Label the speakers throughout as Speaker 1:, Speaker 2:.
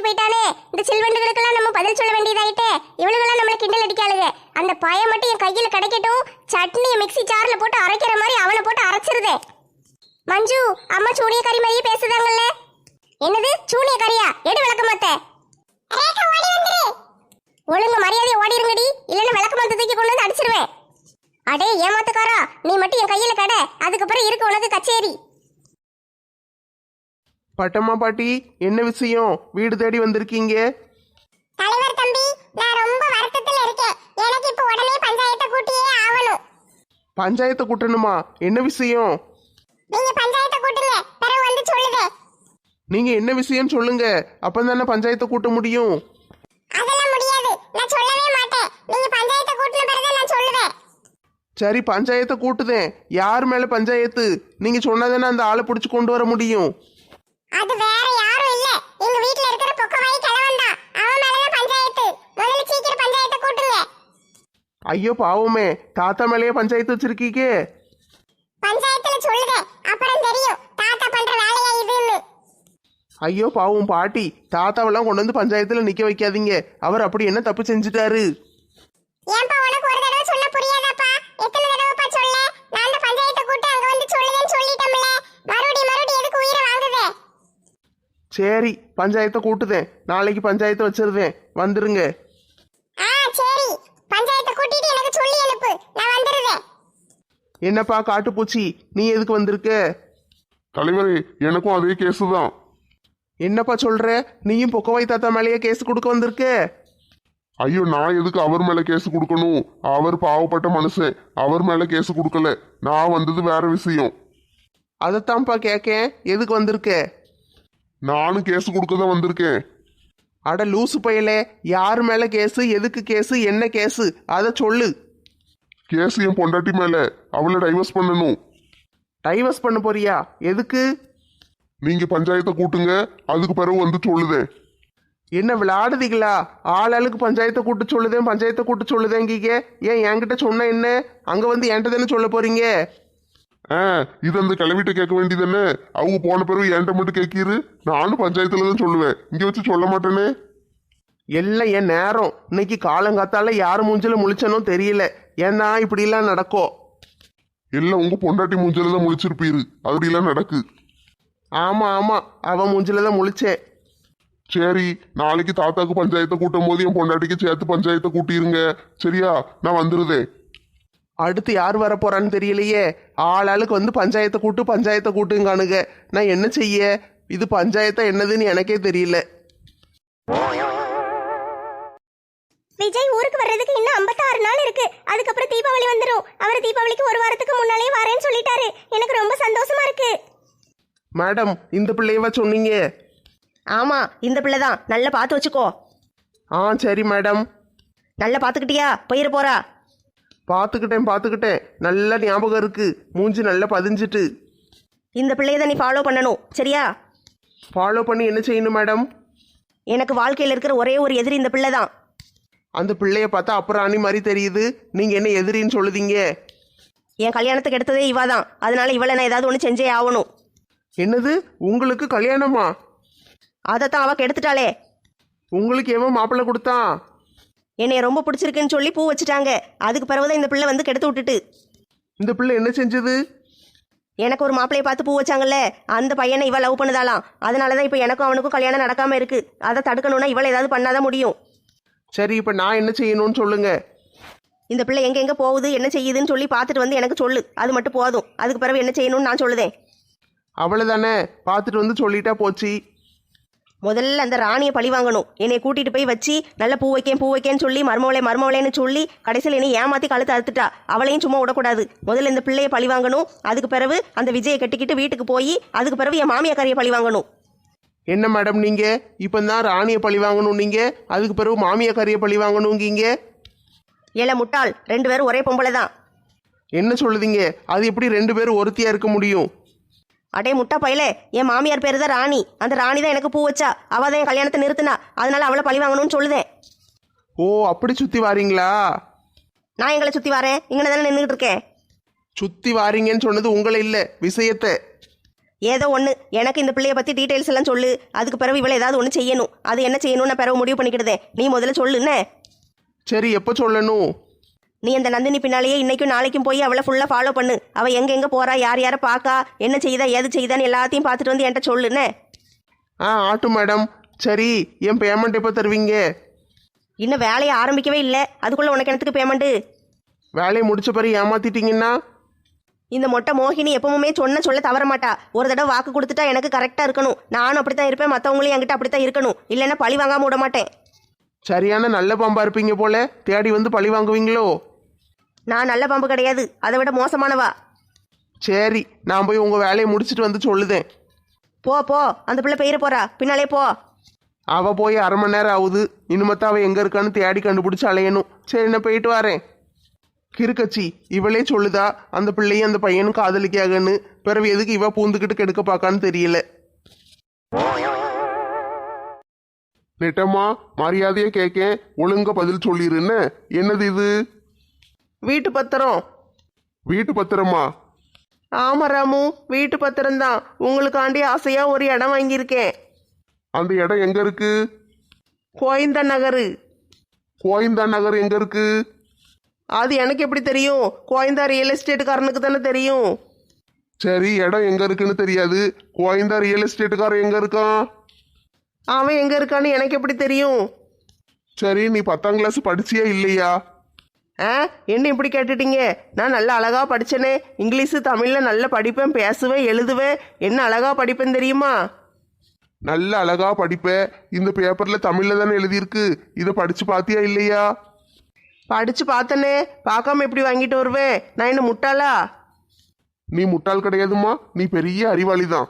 Speaker 1: போயிட்டானே. இந்த சில்வண்டுகளுக்கெல்லாம் நம்ம பதில் சொல்ல வேண்டியதாயிட்டே. இவளுகெல்லாம் நம்மள கிண்டல் அடிக்காளுங்க. அந்த பய மட்டும் என் கையில கிடைக்கட்டும். சட்னியை மிக்ஸி ஜார்ல போட்டு அரைக்கிற மாதிரி அவனை போட்டு அரைச்சிருதே. மஞ்சு, அம்மா சூனியக்காரி மாதிரியே பேசுதாங்கல்ல. என்னது சூனியக்காரியா? எடு விளக்கமாத்த. ஒழுங்கு மரியாதையை ஓடிருங்கடி, இல்லைன்னு விளக்கமாத்த தூக்கி கொண்டு வந்து அடிச்சிருவேன். அடே ஏமாத்துக்காரா, நீ மட்டும் என் கையில கடை, அதுக்கப்புறம் இருக்கு உனக்கு கச்சேரி.
Speaker 2: பட்டம்மா பாட்டி, என்ன விஷயம்? வீடு தேடி வந்திருக்கீங்க?
Speaker 1: தலைவர் தம்பி, நான் ரொம்ப வருத்தத்துல இருக்கேன். எனக்கு இப்ப உடனே பஞ்சாயத்தை கூட்டியே ஆகணும்.
Speaker 2: பஞ்சாயத்தை கூட்டணுமா? என்ன விஷயம்?
Speaker 1: நீங்க பஞ்சாயத்தை கூட்டுங்க, பிறகு வந்து சொல்லுதே.
Speaker 2: நீங்க என்ன விஷயம் சொல்லுங்க, அப்பதானே பஞ்சாயத்தை கூட்ட முடியும்.
Speaker 1: அதெல்லாம் முடியாது, நான் சொல்லவே மாட்டேன். நீங்க பஞ்சாயத்தை கூட்டின பிறகு நான் சொல்லுவேன்.
Speaker 2: சரி, பஞ்சாயத்தை கூட்டுதேன். யார் மேல பஞ்சாயத்து? நீங்க சொன்னாதானே அந்த ஆளை பிடிச்சு கொண்டு வர முடியும்.
Speaker 1: அது வேற யாரும் இல்ல, எங்க வீட்ல இருக்கிற பொக்கவாய் கிழவன் தான். அவன் மேலதான் பஞ்சாயத்து. முதல்ல சீக்கிரம் பஞ்சாயத்தை கூட்டுங்க.
Speaker 2: ஐயோ பாவமே, தாத்தா மேலேயே பஞ்சாயத்து வச்சிருக்கீங்க.
Speaker 1: பஞ்சாயத்துல சொல்லுதே, அப்புறம் தெரியும் தாத்தா பண்ற வேலையா இதுன்னு.
Speaker 2: ஐயோ பாவம் பாட்டி, தாத்தாவெல்லாம் கொண்டு வந்து பஞ்சாயத்துல நிக்க வைக்காதீங்க. அவர் அப்படி என்ன தப்பு செஞ்சுட்டாரு?
Speaker 1: ஏன்பா உனக்கு ஒரு தடவை சொன்ன புரியாதாப்பா? எத்தனை தடவைப்பா சொல்ல? நான் அந்த பஞ்சாயத்தை கூட்டி அங்க வந்து சொல்லுதேன்னு சொல்லிட்டோம்ல. மறுபடியும் எதுக்கு உயிரை வாங்குதே?
Speaker 2: சரி, பஞ்சாயத்தை கூட்டுதேன். நாளைக்கு பஞ்சாயத்தை வச்சிருந்தேன், வந்துருங்க.
Speaker 1: சரி, பஞ்சாயத்தை கூட்டிட்டு எனக்கு சொல்லி அனுப்பு, நான் வந்துருவேன்.
Speaker 2: என்னப்பா காட்டுப்பூச்சி, நீ எதுக்கு வந்திருக்க?
Speaker 3: தலைவரே, எனக்கும் அதே கேஸு தான்.
Speaker 2: என்னப்பா சொல்ற? நீயும் பொக்கவாய் தாத்தா மேலேயே கேஸ் கொடுக்க வந்திருக்க?
Speaker 3: ஐயோ, நான் எதுக்கு அவர் மேல கேஸ் கொடுக்கணும்? அவர் பாவப்பட்ட மனுஷன், அவர் மேல கேஸ் கொடுக்கல. நான் வந்தது வேற விஷயம்.
Speaker 2: அதைத்தான்ப்பா கேட்கேன், எதுக்கு வந்திருக்க?
Speaker 3: நானும் கேஸ் கொடுக்க தான் வந்திருக்கேன்.
Speaker 2: அட லூசு பயலே, யார் மேல கேஸு, எதுக்கு கேஸு, என்ன கேஸு, அதை சொல்லு.
Speaker 3: கேஸ் என் பொண்டாட்டி மேல. அவளை டைவர்ஸ் பண்ணணும்.
Speaker 2: டைவர்ஸ் பண்ண போறியா? எதுக்கு?
Speaker 3: நீங்க பஞ்சாயத்தை கூட்டுங்க, அதுக்கு பிறகு வந்து சொல்லுதேன்.
Speaker 2: என்ன விளையாடுதீங்களா? ஆளாளுக்கு பஞ்சாயத்தை கூட்டு சொல்லுதேன், பஞ்சாயத்தை கூட்டு சொல்லுதேங்கீங்க. ஏன் என்கிட்ட சொன்ன என்ன? அங்க வந்து என்கிட்ட தானே சொல்ல போறீங்க.
Speaker 3: இது அந்த கிளவிட்ட கேட்க வேண்டியதானே? அவங்க போன பிறகு என்கிட்ட மட்டும் கேட்கிரு. நானும் பஞ்சாயத்துல தான் சொல்லுவேன், இங்க வச்சு சொல்ல மாட்டேனே.
Speaker 2: எல்லாம் என் நேரம். இன்னைக்கு காலங்காத்தால யார் மூஞ்சில முழிச்சனோ தெரியல. ஏன்னா இப்படிலாம் நடக்கும்.
Speaker 3: எல்லாம் உங்க பொண்டாட்டி மூஞ்சில தான் முழிச்சிருப்பீரு, அப்படிலாம் நடக்கு.
Speaker 2: ஆமா ஆமா, அவன் மூஞ்சில தான் முழிச்சேன்.
Speaker 3: சரி, நாளைக்கு தாத்தாக்கு பஞ்சாயத்தை கூட்டும் போது என் பொண்டாட்டிக்கு சேர்த்து பஞ்சாயத்தை கூட்டிருங்க. சரியா? நான் வந்துருதேன்.
Speaker 2: அடுத்து யார் வர போறான்னு தெரியலையே. ஆளாளுக்கு வந்து பஞ்சாயத்தை கூட்டுங்கானுங்க. நான் என்ன செய்ய? இது பஞ்சாயத்தா என்னதுன்னு எனக்கே தெரியல.
Speaker 1: விஜய் ஊருக்கு வர்றதுக்கு இன்னும் 56 நாள் இருக்கு. அதுக்கப்புறம் தீபாவளி வந்துடும். அவர் தீபாவளிக்கு ஒரு வாரத்துக்கு முன்னாலே வரேன்னு சொல்லிட்டாரு. எனக்கு ரொம்ப சந்தோஷமா இருக்கு.
Speaker 2: மேடம், இந்த பிள்ளையவா சொன்னீங்க?
Speaker 4: ஆமா, இந்த பிள்ளை தான். நல்லா பார்த்து வச்சுக்கோ.
Speaker 2: சரி மேடம்.
Speaker 4: நல்லா பார்த்துக்கிட்டியா? போயிட போறா.
Speaker 2: பார்த்துக்கிட்டேன். நல்ல ஞாபகம் இருக்கு. மூஞ்சி நல்லா பதிஞ்சிட்டு.
Speaker 4: இந்த பிள்ளையை தான் நீ ஃபாலோ பண்ணணும், சரியா?
Speaker 2: ஃபாலோ பண்ணி என்ன செய்யணும் மேடம்?
Speaker 4: எனக்கு வாழ்க்கையில் இருக்கிற ஒரே ஒரு எதிரி இந்த பிள்ளை தான்.
Speaker 2: அந்த பிள்ளைய பார்த்தா அப்புறம் அணி மாதிரி தெரியுது. நீங்க என்ன எதிரின்னு சொல்லுதீங்க?
Speaker 4: என் கல்யாணத்துக்கு எடுத்ததே இவா தான். அதனால இவளை நான் ஏதாவது ஒன்று செஞ்சே ஆகணும்.
Speaker 2: என்னது, உங்களுக்கு கல்யாணமா?
Speaker 4: அதைத்தான் அவ கெடுத்துட்டாளே.
Speaker 2: உங்களுக்கு எவன் மாப்பிள்ளை கொடுத்தான்?
Speaker 4: என்னை ரொம்ப பிடிச்சிருக்குன்னு சொல்லி பூ வச்சுட்டாங்க. அதுக்கு பிறகுதான் இந்த பிள்ளை வந்து கெடுத்து விட்டுட்டு.
Speaker 2: இந்த பிள்ளை என்ன செஞ்சது?
Speaker 4: எனக்கு ஒரு மாப்பிள்ளையை பார்த்து பூ வச்சாங்கல்ல, அந்த பையனை இவ லவ் பண்ணுதாலாம். அதனால தான் இப்போ எனக்கும் அவனுக்கும் கல்யாணம் நடக்காம இருக்கு. அதை தடுக்கணும்னா இவளை ஏதாவது பண்ணாதான் முடியும்.
Speaker 2: சரி, இப்போ நான் என்ன செய்யணும்னு சொல்லுங்க.
Speaker 4: இந்த பிள்ளை எங்கே போகுது, என்ன செய்யுதுன்னு சொல்லி பார்த்துட்டு வந்து எனக்கு சொல்லு. அது மட்டும் போதும். அதுக்கு பிறகு என்ன செய்யணும்னு நான் சொல்லுதேன்.
Speaker 2: அவ்வளோதானே, பார்த்துட்டு வந்து சொல்லிட்டா போச்சு.
Speaker 4: முதல்ல அந்த ராணியை பழி வாங்கணும். என்னை கூட்டிட்டு போய் வச்சு நல்ல பூ வைக்கேன்னு சொல்லி மருமவளேன்னு சொல்லி கடைசியில் என்னை ஏமாத்தி கழுத்து அறுத்துட்டா. அவளையும் சும்மா விடக்கூடாது. முதல்ல இந்த பிள்ளையை பழி வாங்கணும். அதுக்கு பிறகு அந்த விஜயை கட்டிக்கிட்டு வீட்டுக்கு போய் அதுக்கு பிறகு என் மாமியாக்காரியை பழி வாங்கணும்.
Speaker 2: என்ன மேடம் நீங்க இப்போ தான் ராணியை பழி வாங்கணும், நீங்க அதுக்கு பிறகு மாமியாக்காரியை பழி வாங்கணுங்கீங்க?
Speaker 4: ஏல முட்டாள், 2 பேரும் ஒரே பொம்பளை தான்.
Speaker 2: என்ன சொல்லுதீங்க? அது எப்படி 2 பேரும் ஒருத்தியா இருக்க முடியும்?
Speaker 4: அடே முட்டா பையலே, என் மாமியார் பேரு தான் ராணி. அந்த ராணி தான் எனக்கு பூ வச்சா. அவள் தான் என் கல்யாணத்தை நிறுத்தினா. அதனால அவளை பழி வாங்கணும்னு சொல்லுதேன்.
Speaker 2: ஓ, அப்படி சுற்றி வாரீங்களா?
Speaker 4: நான் எங்களை சுற்றி வரேன், இங்கே தானே நின்றுட்டு இருக்கேன்.
Speaker 2: சுற்றி வாரீங்கன்னு சொன்னது உங்களை இல்லை, விஷயத்தை.
Speaker 4: ஏதோ ஒன்று எனக்கு இந்த பிள்ளைய பற்றி டீட்டெயில்ஸ் எல்லாம் சொல்லு. அதுக்கு பிறகு இவளை ஏதாவது ஒன்று செய்யணும். அது என்ன செய்யணும் நான் பிறகு முடிவு பண்ணிக்கிடுதேன். நீ முதல்ல சொல்லுன்னு.
Speaker 2: சரி, எப்போ சொல்லணும்?
Speaker 4: நீ அந்த நந்தினி பின்னாலேயே இன்னைக்கும் நாளைக்கும் போய் அவளை ஃபுல்லாக ஃபாலோ பண்ணு. அவள் எங்கே போறா, யார் யாரை பார்க்கா, என்ன செய்தா, ஏது செய்தான்னு எல்லாத்தையும் பார்த்துட்டு வந்து என்கிட்ட சொல்லுன்னு.
Speaker 2: ஆட்டும் மேடம். சரி, என் பேமெண்ட் எப்போ தருவீங்க?
Speaker 4: இன்னும் வேலையை ஆரம்பிக்கவே இல்லை, அதுக்குள்ளே உனக்கு எனக்கு பேமெண்ட்டு?
Speaker 2: வேலையை முடிச்ச பிறகு ஏமாத்திட்டீங்கன்னா?
Speaker 4: இந்த மொட்டை மோகினி எப்பவுமே சொல்ல தவற மாட்டா. ஒரு தடவை வாக்கு கொடுத்துட்டா எனக்கு கரெக்டாக இருக்கணும். நானும் அப்படித்தான் இருப்பேன், மற்றவங்களையும் என்கிட்ட அப்படித்தான் இருக்கணும். இல்லைன்னா பழி வாங்காம விட மாட்டேன்.
Speaker 2: சரியான நல்ல பாம்பா இருப்பீங்க போல, தேடி வந்து பழி வாங்குவீங்களோ?
Speaker 4: நான் நல்ல பாம்பு கிடையாது, அதை விட மோசமானவா.
Speaker 2: சரி, நான் போய் உங்கள் வேலையை முடிச்சிட்டு வந்து சொல்லுதேன்.
Speaker 4: போ அந்த பிள்ளை பெயர போறா, பின்னாலே போ.
Speaker 2: அவ போய் 1/2 மணி நேரம் ஆகுது. இனிமத்தான் அவள் எங்கே இருக்கான்னு தேடி கண்டுபிடிச்சி அலையணும். சரி, நான் போயிட்டு வரேன். கிறுக்கச்சி, இவளே சொல்லுதா அந்த பிள்ளையும் அந்த பையனும் காதலிக்காகன்னு. பிறகு எதுக்கு இவ பூந்துக்கிட்டு கெடுக்க பார்க்கான்னு தெரியல.
Speaker 3: நெட்டம்மா, மரியாதையை கேட்கேன், ஒழுங்கா பதில் சொல்லிருன்னு. என்னது இது?
Speaker 2: வீட்டு பத்திரம்.
Speaker 3: வீட்டு பத்திரமா?
Speaker 2: ஆமா ராமு, வீட்டு பத்திரம் தான். உங்களுக்காண்டி ஆசையா ஒரு இடம் வாங்கியிருக்கேன்.
Speaker 3: அந்த இடம் எங்க இருக்கு?
Speaker 2: கோயந்தா நகர்.
Speaker 3: கோயந்தா நகர் எங்க இருக்கு?
Speaker 2: அது எனக்கு எப்படி தெரியும்? கோயந்தா ரியல் எஸ்டேட்டுக்காரனுக்கு தானே தெரியும்.
Speaker 3: சரி, இடம் எங்க இருக்குன்னு தெரியாது, கோயந்தா ரியல் எஸ்டேட்டுக்காரன் எங்க இருக்கான்?
Speaker 2: அவன் எங்க இருக்கான்னு எனக்கு எப்படி தெரியும்?
Speaker 3: சரி, நீ 10ஆம் கிளாஸ் படிச்சியா இல்லையா?
Speaker 2: என்ன இப்படி கேட்டுட்டீங்க? நான் நல்ல அழகா படிச்சேனே. இங்கிலீஷு தமிழில் நல்ல படிப்பேன், பேசுவேன், எழுதுவேன். என்ன அழகா படிப்பேன் தெரியுமா?
Speaker 3: நல்ல அழகா படிப்ப. இந்த பேப்பர்ல தமிழ்ல தானே எழுதியிருக்கு. இதை படிச்சு பாத்தியா இல்லையா?
Speaker 2: படிச்சு பார்த்தனே. பார்க்காம எப்படி வாங்கிட்டு வருவேன்? நான் என்ன முட்டாளா?
Speaker 3: நீ முட்டாள் கிடையாதுமா, நீ பெரிய அறிவாளி தான்.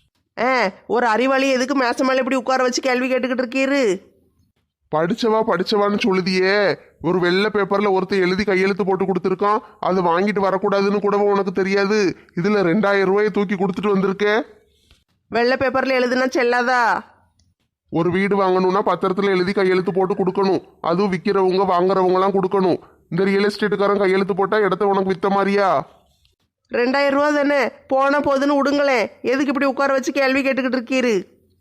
Speaker 2: ஒரு அறிவாளி எதுக்கு மேச மேலே இப்படி உட்கார வச்சு கேள்வி கேட்டுக்கிட்டு இருக்கீரு?
Speaker 3: படிச்சவான்னு சொல்லுதியே. ஒரு வெள்ளை பேப்பர்ல ஒருத்தர் எழுதி கையெழுத்து போட்டு கொடுத்துருக்கான். அதை வாங்கிட்டு வரக்கூடாதுன்னு கூடவும் உனக்கு தெரியாது. இதுல 2000 ரூபாயை தூக்கி கொடுத்துட்டு வந்திருக்க.
Speaker 2: வெள்ளை பேப்பர்ல எழுதுனா செல்லாதா?
Speaker 3: ஒரு வீடு வாங்கணும்னா பத்திரத்துல எழுதி கையெழுத்து போட்டு கொடுக்கணும். அதுவும் விற்கிறவங்க வாங்குறவங்கலாம் கொடுக்கணும். இந்த ரியல் எஸ்டேட்டுக்காரன் கையெழுத்து போட்டா இடத்த உனக்கு வித்த மாதிரியா?
Speaker 2: 2000 ரூபா தானே, போன போதுன்னு விடுங்களேன். எதுக்கு இப்படி உட்கார வச்சு கேள்வி கேட்டுக்கிட்டு இருக்கீரு?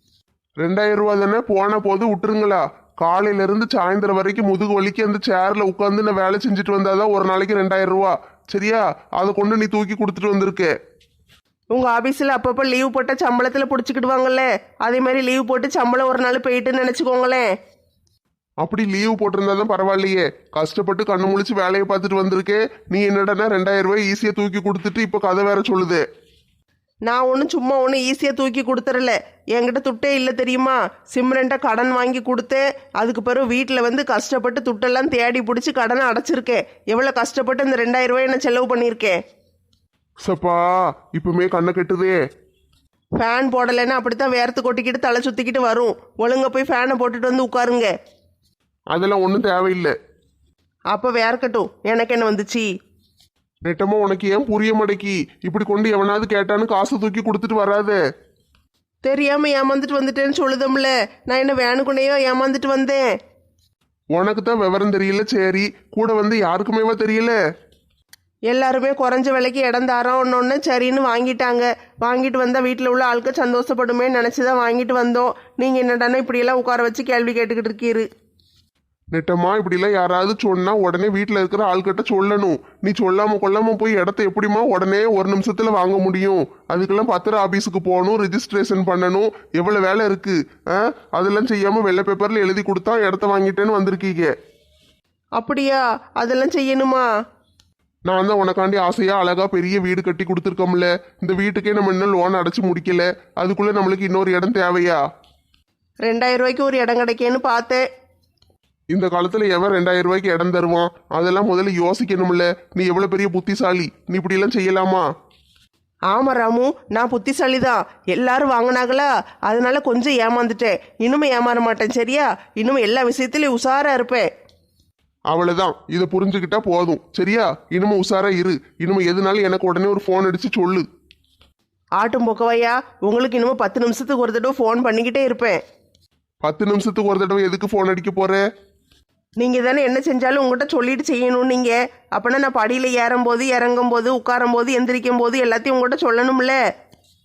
Speaker 3: 2000 ரூபா தானே, போன போது விட்டுருங்களா? காலையில இருந்து சாயந்தரம் வரைக்கும் முதுகு வலிக்கு அந்த சேர்ல உட்காந்து நான் வேலை செஞ்சுட்டு வந்தாதான் ஒரு நாளைக்கு 2000 ரூபா. சரியா? அதை கொண்டு நீ தூக்கி கொடுத்துட்டு வந்திருக்க.
Speaker 2: உங்க ஆபீஸ்ல அப்பப்ப லீவ் போட்ட சம்பளத்துல புடிச்சுக்கிடுவாங்கல்ல, அதே மாதிரி லீவ் போட்டு சம்பளம் ஒரு நாள் போயிட்டுன்னு நினைச்சுக்கோங்களேன்.
Speaker 3: அப்படி லீவு போட்டிருந்தாதான் பரவாயில்லையே. கஷ்டப்பட்டு கண்ணு முழிச்சு வேலையை பார்த்துட்டு வந்திருக்கே. நீ என்னடனா 2000 ரூபாய் ஈஸியா தூக்கி கொடுத்துட்டு இப்ப கதை வேற சொல்லுது.
Speaker 2: நான் சும்மா ஈஸியாக தூக்கி கொடுத்துறல. என்கிட்ட துட்டே இல்லை தெரியுமா? சிம்ரன்ட்ட கடன் வாங்கி கொடுத்தேன். அதுக்கு பிறகு வீட்டில் வந்து கஷ்டப்பட்டு துட்டெல்லாம் தேடி பிடிச்சி கடனை அடைச்சிருக்கேன். எவ்வளோ கஷ்டப்பட்டு இந்த 2000 ரூபாய் நான் செலவு பண்ணியிருக்கேன்.
Speaker 3: சப்பா, இப்பவுமே கண்ணை கட்டுதே.
Speaker 2: ஃபேன் போடலைன்னா அப்படித்தான் வேர்த்து கொட்டிக்கிட்டு தலை சுற்றிக்கிட்டு வரும். ஒழுங்க போய் ஃபேனை போட்டுட்டு வந்து உட்காருங்க.
Speaker 3: அதெல்லாம் ஒன்றும் தேவையில்லை.
Speaker 2: அப்போ வேர்க்கட்டும், எனக்கு என்ன வந்துச்சு?
Speaker 3: நெட்டமா, உனக்கு ஏன் புரிய மாட்டேக்கி? இப்படி கொண்டு எவனாவது கேட்டான்னு காசு தூக்கி கொடுத்துட்டு வராதே.
Speaker 2: தெரியாம ஏமாந்துட்டு வந்துட்டேன்னு சொல்லுதம்ல. நான் என்ன வேணுக்குனையோ ஏமாந்துட்டு வந்தேன்.
Speaker 3: உனக்கு தான் விவரம் தெரியல. சரி, கூட வந்து யாருக்குமேவா தெரியல?
Speaker 2: எல்லாருமே குறைஞ்ச விலைக்கு இடம் தாரோம் ஒன்று சரின்னு வாங்கிட்டாங்க. வாங்கிட்டு வந்தால் வீட்டில் உள்ள ஆளுக்கு சந்தோஷப்படுமே நினச்சி தான் வாங்கிட்டு வந்தோம். நீங்கள் என்னடானா இப்படியெல்லாம் உட்கார வச்சு கேள்வி கேட்டுக்கிட்டு இருக்கீரு.
Speaker 3: நெட்டமா, இப்படிலாம் யாராவது சொன்னா உடனே வீட்டில் இருக்கிற ஆள்கிட்ட சொல்லணும். நீ சொல்லாம கொள்ளாம போய் இடத்த எப்படிமா உடனே ஒரு நிமிஷத்துல வாங்க முடியும்? அதுக்கெல்லாம் பத்திர ஆபீஸுக்கு போகணும், ரிஜிஸ்ட்ரேஷன் பண்ணணும், எவ்வளவு வேலை இருக்கு. அதெல்லாம் செய்யாம வெள்ளை பேப்பர்ல எழுதி கொடுத்தா இடத்த வாங்கிட்டேன்னு வந்திருக்கீங்க.
Speaker 2: அப்படியா? அதெல்லாம் செய்யணுமா?
Speaker 3: நான் தான் உனக்காண்டி ஆசையா அழகா பெரிய வீடு கட்டி கொடுத்துருக்கோம்ல. இந்த வீட்டுக்கே நம்ம இன்னும் லோன் அடைச்சு முடிக்கல. அதுக்குள்ள நம்மளுக்கு இன்னொரு இடம் தேவையா?
Speaker 2: 2000 ரூபாய்க்கு ஒரு இடம் கிடைக்கேன்னு பார்த்தேன்.
Speaker 3: இந்த காலத்துல எவன் 2000 ரூபாய்க்கு இடம் தருவான்? அதெல்லாம் முதல்ல யோசிக்கணும்ல. நீ எவ்வளவு பெரிய புத்திசாலி, நீ இப்படி எல்லாம் செய்யலாமா?
Speaker 2: ஆமா ராமு, நான் புத்திசாலி தான். எல்லாரும் வாங்கினாங்களா, அதனால கொஞ்சம் ஏமாந்துட்டேன். இனிமே ஏமாற மாட்டேன். சரியா? இனிமே எல்லா விஷயத்திலயும் உஷாரா இருப்பேன்.
Speaker 3: அவ்வளவுதான், இதை புரிஞ்சுக்கிட்டா போதும். சரியா? இனிமே உஷாரா இரு. இனிமே எதுனாலும் எனக்கு உடனே ஒரு ஃபோன் அடிச்சு சொல்லு.
Speaker 2: ஆட்டும் பொக்கவையா, உங்களுக்கு இனிமே 10 நிமிஷத்துக்கு ஒரு தடவை ஃபோன் பண்ணிக்கிட்டே இருப்பேன்.
Speaker 3: 10 நிமிஷத்துக்கு ஒரு தடவை எதுக்கு ஃபோன் அடிக்க போற?
Speaker 2: நீங்க தானே என்ன செஞ்சாலும் உங்கள்கிட்ட சொல்லிட்டு செய்யணும். நீங்க அப்பனா நான் படியில ஏறும் போது, இறங்கும் போது, உட்காரும் போது, எந்திரிக்கும் போது எல்லாத்தையும் உங்கள்கிட்ட சொல்லணும்ல.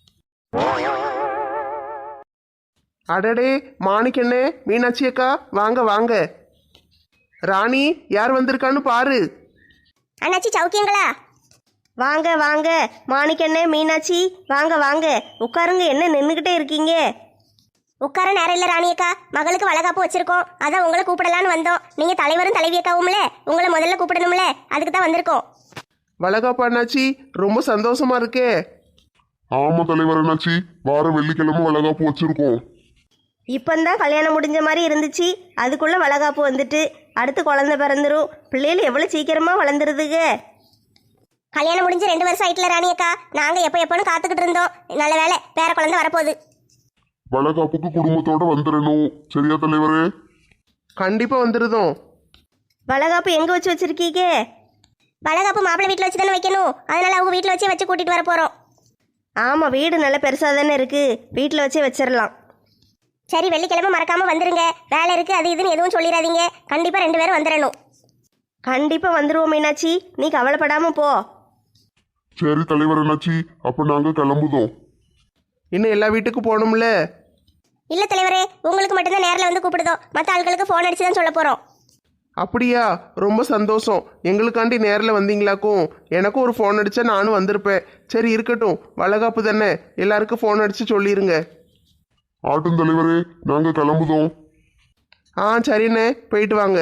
Speaker 2: அடடே மாணிக்கண்ணே, மீனாட்சி அக்கா, வாங்க வாங்க. ராணி யார் வந்திருக்கான்னு பாரு.
Speaker 1: அண்ணாச்சி சௌக்கியங்களா?
Speaker 4: வாங்க வாங்க மாணிக்கண்ணே, மீனாட்சி, வாங்க வாங்க உட்காருங்க. என்ன நின்றுக்கிட்டே இருக்கீங்க?
Speaker 1: உட்கார நேரம் இல்ல ராணியக்கா, மகளுக்கு வளகாப்பு வச்சிருக்கோம், அதான் உங்களை கூப்பிடலான்னு வந்தோம். நீங்க தலைவரும் தலைவியக்காவும்ல, உங்களை முதல்ல கூப்பிடணும்ல, அதுக்கு தான் வந்திருக்கோம்.
Speaker 2: வளகாப்பு அண்ணாச்சி, ரொம்ப சந்தோஷமா இருக்கே.
Speaker 3: ஆமா தலைவர் என்னாச்சு, வார வெள்ளிக்கிழமை வளகாப்பு வச்சிருக்கோம்.
Speaker 4: இப்போந்தான் கல்யாணம் முடிஞ்ச மாதிரி இருந்துச்சு, அதுக்குள்ளே வளகாப்பு வந்துட்டு அடுத்து குழந்தை பிறந்துரும். பிள்ளைகள் எவ்வளோ சீக்கிரமாக வளர்ந்துருதுங்க.
Speaker 1: கல்யாணம் முடிஞ்சு 2 வருஷம் ஆயிட்டுல ராணியக்கா, நாங்க எப்போன்னு காத்துக்கிட்டு இருந்தோம். நல்ல வேலை, பேர குழந்தை வரப்போகுது.
Speaker 3: வளகாப்புக்கு குடும்பத்தோட வந்துடணும், சரியா தலைவரே?
Speaker 2: கண்டிப்பா வந்துருதோம்.
Speaker 4: வளகாப்பு எங்கே வச்சு வச்சிருக்கீங்க?
Speaker 1: வளகாப்பு மாப்பிள்ளை வீட்டில் வச்சு தானே வைக்கணும், அதனால அவங்க வீட்டில் வச்சு கூட்டிட்டு வர போறோம்.
Speaker 4: ஆமாம், வீடு நல்ல பெருசாக தானே இருக்குது, வீட்டில் வச்சே வச்சிடலாம்.
Speaker 1: சரி, வெள்ளிக்கிழமை மறக்காம வந்துருங்க. வேலை இருக்கு அது இதுன்னு எதுவும் சொல்லிடாதீங்க. கண்டிப்பா 2 பேரும் வந்துடணும்.
Speaker 4: கண்டிப்பாக வந்துடுவோம் மீனாட்சி, நீ கவலைப்படாமல் போ.
Speaker 3: சரி தலைவர் என்னாச்சு, அப்ப நாங்க கிளம்புதோம்.
Speaker 2: இன்னும் எல்லா வீட்டுக்கும் போகணும்ல.
Speaker 1: இல்ல தலைவரே, உங்களுக்கு மட்டும்தான் நேரில் வந்து கூப்பிடுதோம், மற்ற ஆட்களுக்கு ஃபோன் அடிச்சு தான் சொல்ல போறோம்.
Speaker 2: அப்படியா? ரொம்ப சந்தோஷம். எங்களுக்காண்டி நேரில் வந்தீங்களாக்கும். எனக்கும் ஒரு ஃபோன் அடிச்சா நானும் வந்திருப்பேன். சரி இருக்கட்டும், வளகாப்பு தானே, எல்லாருக்கும் ஃபோன் அடிச்சு சொல்லிடுங்க.
Speaker 3: ஆட்டும் தலைவரே, நாங்க கிளம்புதோம்.
Speaker 2: சரிண்ணே, போயிட்டு வாங்க.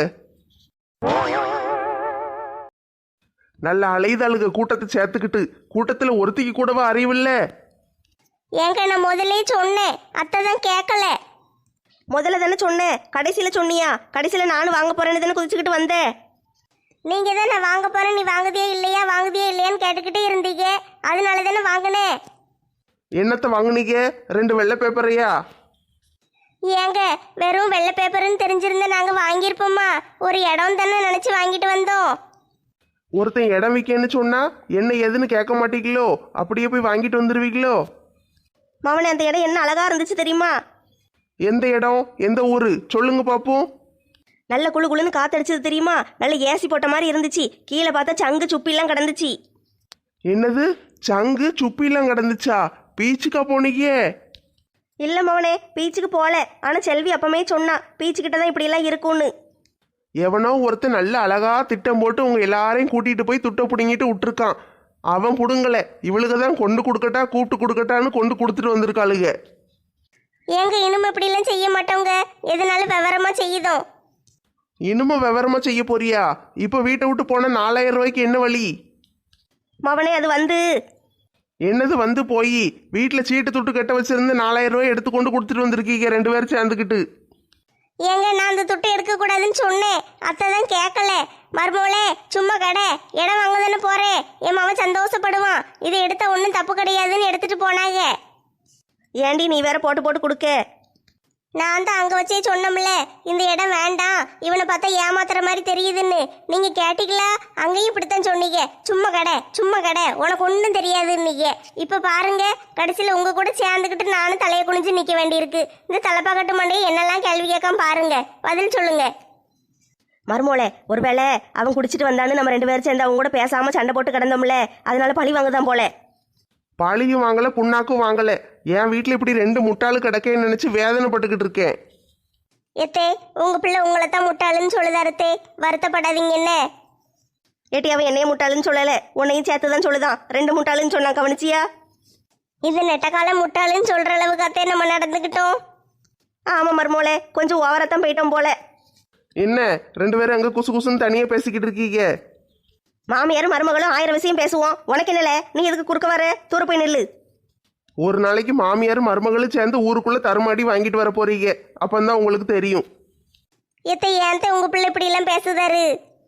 Speaker 2: நல்ல அலைதாளுக கூட்டத்தை சேர்த்துக்கிட்டு, கூட்டத்தில் ஒருத்திக்கு கூடவா அறிவில்ல?
Speaker 1: ஏங்க நான் முதல்ல சொன்னேன், அத்தை தான் கேட்கல.
Speaker 4: முதல்ல தானே சொன்னேன், கடைசியில் சொன்னியா? கடைசியில் நானும் வாங்க போகிறேன்னு தானே குதிச்சுக்கிட்டு வந்தேன்.
Speaker 1: நீங்க தான் நான் வாங்க போறேன், நீ வாங்குதியே இல்லையான்னு கேட்டுக்கிட்டே இருந்தீங்க, அதனால தானே வாங்கினேன்.
Speaker 2: என்னத்தை வாங்குனீங்க? 2 வெள்ளை பேப்பரையா?
Speaker 1: ஏங்க வெறும் வெள்ளை பேப்பர்னு தெரிஞ்சிருந்தா நாங்க வாங்கியிருப்போமா? ஒரு இடம் தானே நினைச்சு வாங்கிட்டு வந்தோம்.
Speaker 2: ஒருத்தன் இடம் விற்கன்னு சொன்னா என்ன ஏதுன்னு கேட்க மாட்டீங்களோ? அப்படியே போய் வாங்கிட்டு வந்துடுவீங்களோ?
Speaker 4: மவனே, அந்த இடம் என்ன அழகா இருந்துச்சு தெரியுமா?
Speaker 2: எந்த இடம், எந்த ஊரு சொல்லுங்க பாப்போம்.
Speaker 4: நல்ல குளு குளுன்னு காத்தடிச்சது தெரியுமா? நல்ல ஏசி போட்ட மாதிரி இருந்துச்சு. கீழே பார்த்தா சங்கு சுப்பிலாம் கிடந்துச்சு.
Speaker 2: என்னது, சங்கு சுப்பிலாம் கிடந்துச்சா? பீச்சுக்கா போனீங்க?
Speaker 4: இல்லை மவனே, பீச்சுக்கு போகல. ஆனால் செல்வி அப்பமே சொன்னா பீச்சுக்கிட்ட தான் இப்படியெல்லாம் இருக்கும்னு.
Speaker 2: எவனோ ஒருத்தன் நல்ல அழகா திட்டம் போட்டு உங்க எல்லாரையும் கூட்டிட்டு போய் துட்டை பிடுங்கிட்டு விட்டுருக்கான். அவன் புடுங்கல, இவளுக்கு தான் கொண்டு கொடுக்கட்டா கூப்பிட்டு கொடுக்கட்டான்னு கொண்டு கொடுத்துட்டு வந்திருக்காளுங்க.
Speaker 1: ஏங்க இனிமே இப்படிலாம் செய்ய மாட்டோங்க, எதனால விவரமா செய்யுதோம்.
Speaker 2: இனிமே விவரமா செய்ய போறியா? இப்போ வீட்டை விட்டு போன 4000 ரூபாய்க்கு என்ன வழி?
Speaker 4: மவனே, அது வந்து
Speaker 2: என்னது வந்து போய் வீட்டில் சீட்டு துட்டு கட்ட வச்சிருந்து 4000 ரூபாய் எடுத்து கொண்டு கொடுத்துட்டு வந்திருக்கீங்க 2 பேரும் சேர்ந்துக்கிட்டு.
Speaker 1: ஏங்க நான் அந்த துட்டை எடுக்க கூடாதுன்னு சொன்னேன், அத்தை தான் கேட்கல. மருமோளே சும்மா கடை இடம் வாங்க தானே போறேன், என் மாவன் சந்தோஷப்படுவான், இதை எடுத்தா ஒன்றும் தப்பு கிடையாதுன்னு எடுத்துட்டு போனாங்க.
Speaker 4: ஏண்டி நீ வேற போட்டு போட்டு கொடுக்க?
Speaker 1: நான் தான் அங்கே வச்சே சொன்னோம்ல, இந்த இடம் வேண்டாம், இவனை பார்த்தா ஏமாத்துற மாதிரி தெரியுதுன்னு. நீங்க கேட்டீங்களா? அங்கேயும் இப்படித்தான் சொன்னீங்க, சும்மா கடை உனக்கு ஒன்றும் தெரியாதுன்னீங்க. இப்போ பாருங்க, கடைசியில் உங்க கூட சேர்ந்துக்கிட்டு நானும் தலையை குனிஞ்சு நிற்க வேண்டியிருக்கு. இந்த தலைப்பாக்கட்டு மண்டையை என்னெல்லாம் கேள்வி கேட்காம பாருங்க, பதில் சொல்லுங்க.
Speaker 4: மருமோளே, ஒருவேளை அவன் குடிச்சிட்டு வந்தான்னு நம்ம 2 பேரும் சேர்ந்து அவங்க கூட பேசாம சண்டை போட்டு கிடந்தோம்ல, அதனால பழி வாங்க தான் போல.
Speaker 2: பழியும் வாங்கல, புண்ணாக்கும் வாங்கல. என் வீட்டில் இப்படி 2 முட்டாளு கிடக்கேன்னு நினைச்சு வேதனைப்பட்டுக்கிட்டு இருக்கேன்.
Speaker 1: எத்தே உங்க பிள்ளை உங்களை தான் முட்டாளுன்னு சொல்லுதாருத்தே, வருத்தப்படாதீங்க என்ன.
Speaker 4: ஏட்டி, அவன் என்னைய முட்டாளுன்னு சொல்லலை, உன்னையும் சேர்த்து தான் சொல்லுதான். 2 முட்டாளுன்னு சொன்னான், கவனிச்சியா?
Speaker 1: இது நெட்டக்கால முட்டாளுன்னு சொல்ற அளவுக்கு அத்தே நம்ம நடந்துக்கிட்டோம்.
Speaker 4: ஆமாம் மருமோளே, கொஞ்சம் ஓவரத்தான் போயிட்டோம் போல.
Speaker 2: என்ன 2 பேரும் அங்கே குசு குசுன்னு தனியாக பேசிக்கிட்டு இருக்கீங்க?
Speaker 4: மாமியாரும் மருமகளும் 1000 விஷயம் பேசுவோம், உனக்கு என்னல? நீ எதுக்கு குறுக்க வர? தூர போய் நில்லு.
Speaker 2: ஒரு நாளைக்கு மாமியாரும் மருமகளும் சேர்ந்து ஊருக்குள்ள தருமாடி வாங்கிட்டு வர போறீங்க, அப்பந்தான் உங்களுக்கு தெரியும்.
Speaker 1: எத்தை ஏன்த்த உங்க பிள்ளை இப்படி எல்லாம் பேசுதாரு?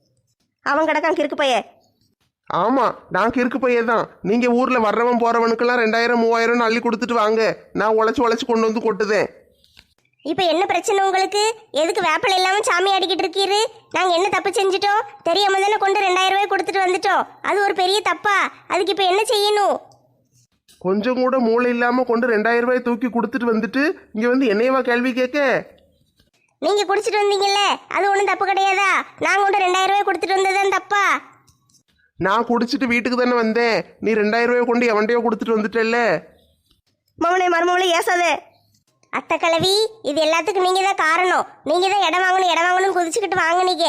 Speaker 4: அவன் கிடக்கான் கிறுக்கு பைய.
Speaker 2: ஆமா, நான் கிறுக்கு பையன் தான். நீங்க ஊர்ல வர்றவன் போறவனுக்கெல்லாம் 2000 3000 அள்ளி கொடுத்துட்டு வாங்க, நான் உழைச்சு கொண்டு வந்து கொட்டுதேன்.
Speaker 1: இப்ப என்ன பிரச்சனை உங்களுக்கு? எதுக்கு வேப்பலை இல்லாம சாமி ஆடிக்கிட்டு இருக்கீரு? நாங்க என்ன தப்பு செஞ்சுட்டோம்? தெரியாம தானே கொண்டு 2000 ரூபாய் கொடுத்துட்டு வந்துட்டோம், அது ஒரு பெரிய தப்பா? அதுக்கு இப்ப என்ன செய்யணும்?
Speaker 2: கொஞ்சம் கூட மூளை இல்லாம கொண்டு 2000 ரூபாய் தூக்கி கொடுத்துட்டு வந்துட்டு இங்க வந்து என்னையவா கேள்வி கேட்க?
Speaker 1: நீங்க குடிச்சிட்டு வந்தீங்கல்ல, அது ஒன்றும் தப்பு கிடையாதா? நாங்க கொண்டு 2000 ரூபாய் கொடுத்துட்டு வந்ததுதான் தப்பா?
Speaker 2: நான் குடிச்சிட்டு வீட்டுக்கு தானே வந்தேன், நீ 2000 ரூபாய் கொண்டு எவன்டையோ கொடுத்துட்டு வந்துட்டல்ல.
Speaker 4: மவனே மருமவளே ஏசாதே.
Speaker 1: அத்தை கிழவி, இது எல்லாத்துக்கும் நீங்க தான் காரணம். நீங்க தான் இடம் வாங்கணும் குதிச்சுக்கிட்டு வாங்குனீங்க.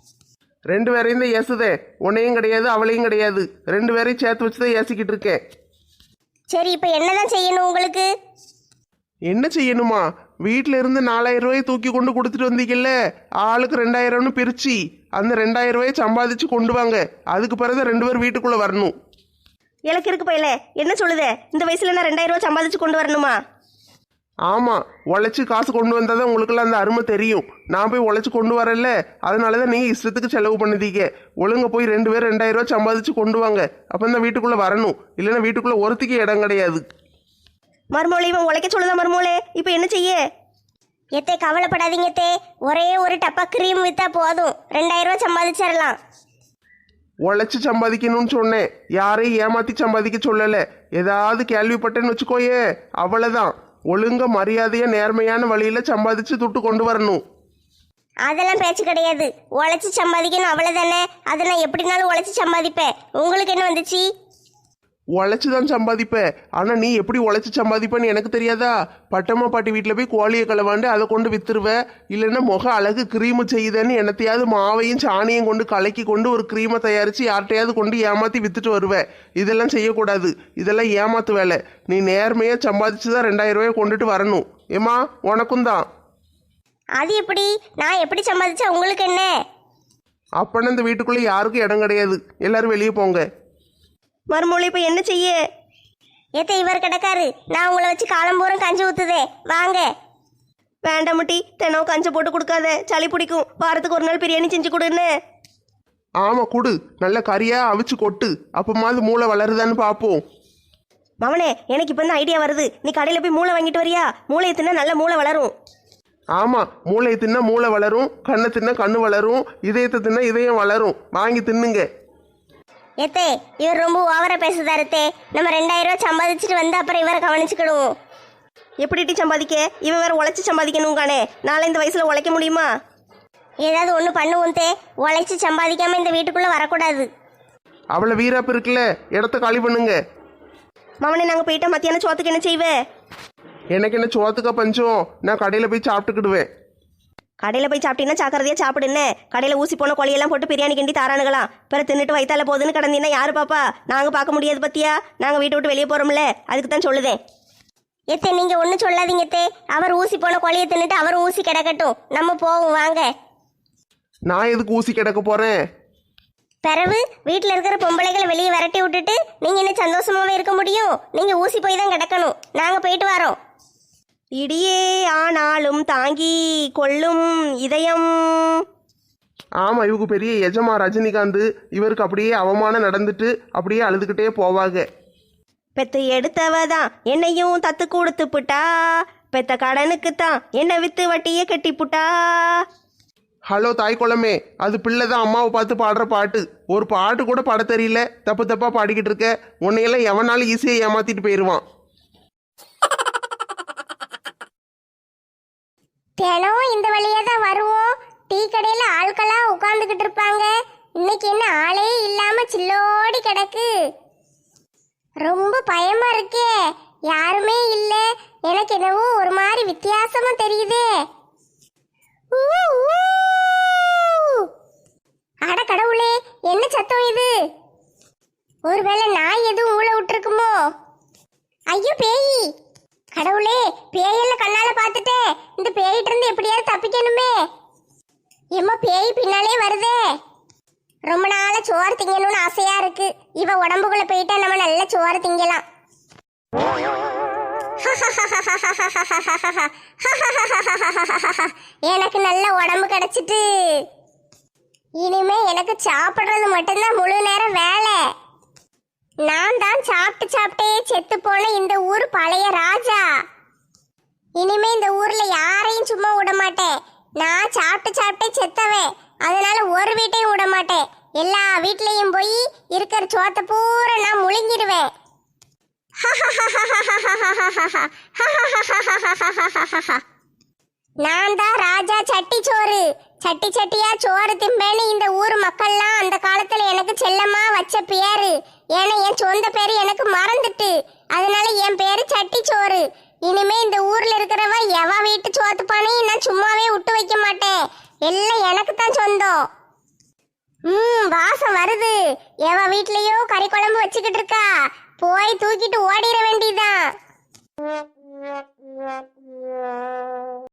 Speaker 2: 2 பேரையும் தான் ஏசுதே, உன்னையும் கிடையாது அவளையும் கிடையாது, 2 பேரையும் சேர்த்து வச்சு தான் ஏசிக்கிட்டு இருக்கேன்.
Speaker 1: சரி, இப்போ என்னதான் செய்யணும் உங்களுக்கு?
Speaker 2: என்ன செய்யணுமா? வீட்டில இருந்து 4000 ரூபாயை தூக்கி கொண்டு கொடுத்துட்டு வந்தீங்கல்ல, ஆளுக்கு 2000ன்னு பிரிச்சு அந்த 2000 ரூபாயை சம்பாதிச்சு கொண்டு வாங்க. அதுக்கு பிறகு 2 பேர் வீட்டுக்குள்ள வரணும்.
Speaker 4: எனக்கு இருக்கு பையல, என்ன சொல்லுதே? இந்த வயசுல நான் 2000 ரூபா சம்பாதிச்சு கொண்டு வரணுமா?
Speaker 2: ஆமாம், உழைச்சி காசு கொண்டு வந்தால் தான் உங்களுக்குலாம் அந்த அருமை தெரியும். நான் போய் உழைச்சி கொண்டு வரல, அதனால தான் நீங்கள் இஷ்டத்துக்கு செலவு பண்ணுதீங்க. ஒழுங்க போய் 2 பேர் 2000 ரூபா சம்பாதிச்சு கொண்டு வாங்க. அப்போ தான் வீட்டுக்குள்ளே வரணும், இல்லைன்னா வீட்டுக்குள்ளே ஒருத்திக்கு இடம் கிடையாது.
Speaker 4: மருமவளே இவன் உழைக்க சொல்லுதான் மருமவளே, இப்போ என்ன செய்ய?
Speaker 1: எத்தே கவலைப்படாதீங்க தே, ஒரே ஒரு டப்பா கிரீம் விற்றா போதும், 2000 ரூபா சம்பாதிச்சிடலாம்.
Speaker 2: உழைச்சி சம்பாதிக்கணும்னு சொன்னேன், யாரையும் ஏமாற்றி சம்பாதிக்க சொல்லலை. ஏதாவது கேள்விப்பட்டேன்னு வச்சுக்கோயே, அவ்வளோதான். ஒழுங்க மரியாதையா நேர்மையான வழியில சம்பாதிச்சு துட்டு கொண்டு வரணும்.
Speaker 1: அதெல்லாம் பேச்சு கிடையாது. உழைச்சி சம்பாதிக்கணும், அவ்வளவுதானே. அதை நான் எப்படினாலும் உழைச்சி சம்பாதிப்பேன். உங்களுக்கு என்ன வந்துச்சு?
Speaker 2: உழைச்சி தான் சம்பாதிப்பேன். ஆனா நீ எப்படி உழைச்சி சம்பாதிப்பேன்னு எனக்கு தெரியாதா? பட்டம்மா பாட்டி வீட்டில் போய் கோழியை களவாண்டு அதை கொண்டு வித்துருவேன். இல்லைன்னா முக அழகு கிரீமு செய்யுதேன்னு என்னத்தையாவது மாவையும் சாணியும் கொண்டு கலக்கி கொண்டு ஒரு கிரீமை தயாரித்து யார்கிட்டையாவது கொண்டு ஏமாற்றி வித்துட்டு வருவேன். இதெல்லாம் செய்யக்கூடாது, இதெல்லாம் ஏமாத்து வேலை. நீ நேர்மையாக சம்பாதிச்சு தான் 2000 ரூபாயை கொண்டுட்டு வரணும். ஏமா, உனக்கும் தான்.
Speaker 1: அது எப்படி? நான் எப்படி சம்பாதிச்சா உங்களுக்கு என்ன?
Speaker 2: அப்பன்னா இந்த வீட்டுக்குள்ளே யாருக்கும் இடம் கிடையாது, எல்லாரும் வெளியே போங்க.
Speaker 4: மருமவளே இப்போ என்ன செய்ய?
Speaker 1: ஏத்த இவர் கிடக்காரு, நான் உங்களை வச்சு காலம்பூரம் கஞ்சி ஊத்துதே, வாங்க.
Speaker 4: வேண்டாம் முட்டி, தினம் கஞ்சை போட்டு கொடுக்காத, சளி பிடிக்கும். வாரத்துக்கு ஒரு நாள் பிரியாணி செஞ்சு கொடுன்னு.
Speaker 2: ஆமாம் கொடு, நல்ல கறியாக அவிச்சு கொட்டு, அப்பமாவது மூளை வளருதான்னு பார்ப்போம்.
Speaker 4: மவனே எனக்கு இப்போ தான் ஐடியா வருது. நீ கடையில் போய் மூளை வாங்கிட்டு வரியா? மூளையை தின்னா நல்ல மூளை வளரும்.
Speaker 2: ஆமாம், மூளையை தின்னா மூளை வளரும், கண்ணை தின்னா கண்ணு வளரும், இதயத்தை தின்னா இதயம் வளரும். வாங்கி தின்னுங்க.
Speaker 1: ஏத்தே இவர் ரொம்ப ஓவரா பேசுதாரு தே. நம்ம 2000 ரூபா சம்பாதிச்சுட்டு வந்து அப்புறம் இவரை கவனிச்சுக்கிடுவோம்.
Speaker 4: எப்படிட்டி சம்பாதிக்க? இவன் வேற உழைச்சி சம்பாதிக்கணும் கானே. நாளை இந்த வயசுல உழைக்க முடியுமா?
Speaker 1: ஏதாவது ஒன்று பண்ணுவோம் தே. உழைச்சி சம்பாதிக்காம இந்த வீட்டுக்குள்ள வரக்கூடாது.
Speaker 2: அவளை வீராப்பு இருக்குல்ல, இடத்த காலி பண்ணுங்க.
Speaker 4: மவனே நாங்கள் போயிட்டா மத்தியானம் சோத்துக்கு என்ன செய்வேன்?
Speaker 2: எனக்கு என்ன சோத்துக்கா பஞ்சம்? நான் கடையில் போய் சாப்பிட்டுக்கிடுவேன்.
Speaker 4: கடையில் போய் சாப்பிட்டீங்கன்னா சாக்கிறதையா சாப்பிடுன்னு. கடையில் ஊசி போன கொலையெல்லாம் போட்டு பிரியாணி கிண்டி தாரானுங்களாம். பிற தின்னுட்டு வயித்தால போகுதுன்னு கிடந்தீங்கன்னா யாரு பாப்பா? நாங்கள் பார்க்க முடியாது பத்தியா? நாங்கள் வீட்டை விட்டு வெளியே போகிறோம்ல, அதுக்கு தான் சொல்லுதேன்.
Speaker 1: ஏத்தே நீங்க ஒன்றும் சொல்லாதீங்க தே. அவர் ஊசி போன கொலையை தின்னுட்டு அவரும் ஊசி கிடக்கட்டும், நம்ம போவோம் வாங்க.
Speaker 2: நான் எதுக்கு ஊசி கிடக்க போகிறேன்?
Speaker 1: பிறகு வீட்டில் இருக்கிற பொம்பளைகளை வெளியே விரட்டி விட்டுட்டு நீங்கள் என்ன சந்தோஷமாவே இருக்க முடியும்? நீங்கள் ஊசி போய் தான் கிடக்கணும். நாங்கள் போயிட்டு வரோம்.
Speaker 4: இடியே ஆனாலும் தாங்கி கொள்ளும் இதயம்.
Speaker 2: ஆமாம், இவங்க பெரிய எஜமா ரஜினிகாந்த். இவருக்கு அப்படியே அவமானம் நடந்துட்டு அப்படியே அழுதுகிட்டே போவாங்க.
Speaker 4: பெத்து எடுத்தவதான் என்னையும் தத்து கொடுத்து புட்டா, பெத்த கடனுக்கு தான் என்னை வித்து வட்டியே கட்டி புட்டா.
Speaker 2: ஹலோ தாய் குளமே, அது பிள்ளை தான் அம்மாவை பார்த்து பாடுற பாட்டு. ஒரு பாட்டு கூட பாட தெரியல, தப்பு தப்பாக பாடிக்கிட்டு இருக்க. உன்னையெல்லாம் எவனாலும் ஈஸியாக ஏமாத்திட்டு போயிடுவான்.
Speaker 1: தினம் இந்த வழியே தான் வருவோம். டீ கடையில் ஆட்களாக உட்காந்துக்கிட்டு இருப்பாங்க. இன்னைக்கு என்ன ஆளே இல்லாம சில்லோடி கிடக்கு. ரொம்ப பயமா இருக்கே, யாருமே இல்லை. எனக்கு என்னவோ ஒரு மாதிரி வித்தியாசமா தெரியுதே. அட கடவுளே, என்ன சத்தம் இது? ஒருவேளை நாய் எதுவும் ஊழ விட்டுருக்குமோ? ஐயோ பேய்! கடவுளே, பேயெல்லாம் கண்ணால பார்த்துட்டேன். இந்த பேயிட்ட இருந்து எப்படியாவது தப்பிக்கணுமே. எம்மா பேய் பின்னாலே வருதே. ரொம்ப நாளா சோறு திங்கணும்னு ஆசையா இருக்கு. இவ உடம்புக்குள்ள போயிட்டா நம்ம நல்ல சோறு திங்கலாம். எனக்கு நல்ல உடம்பு கிடைச்சிட்டு இனிமே எனக்கு சாப்பிடுறது மட்டும்தான் முழு நேரம் வேலை. நான் தான் சாப்பிட்டே செத்து போன இந்த ஊர் பழைய ராஜா. இனிமே இந்த ஊர்ல யாரையும் சும்மா விட மாட்டேன். நான் சாப்பிட்டே செத்தவேன். அதனால ஒரு வீட்டையும் விட மாட்டேன். எல்லா வீட்லயும் போய் இருக்கிற சோத்தை பூரா நான் முழுங்கிடுவேன். நான் தான் ராஜா சட்டி சோறு. சட்டி சட்டியா சோறு திம்பேன்னு இந்த ஊர் மக்கள்லாம் அந்த காலத்துல எனக்கு செல்லமா வச்ச பேரு. ஏன்னா என் சொந்த பேரு எனக்கு மறந்துட்டு, அதனால என் பேரு சட்டி சோறு. இனிமே இந்த ஊர்ல இருக்கிறவ எவ வீட்டு சோத்து பானையும் நான் சும்மாவே விட்டு வைக்க மாட்டேன். எல்லாம் எனக்கு தான் சொந்தம். வாசம் வருது. எவ வீட்லயோ கறி குழம்பு வச்சுக்கிட்டு இருக்கா. போய் தூக்கிட்டு ஓடிட வேண்டியதான்.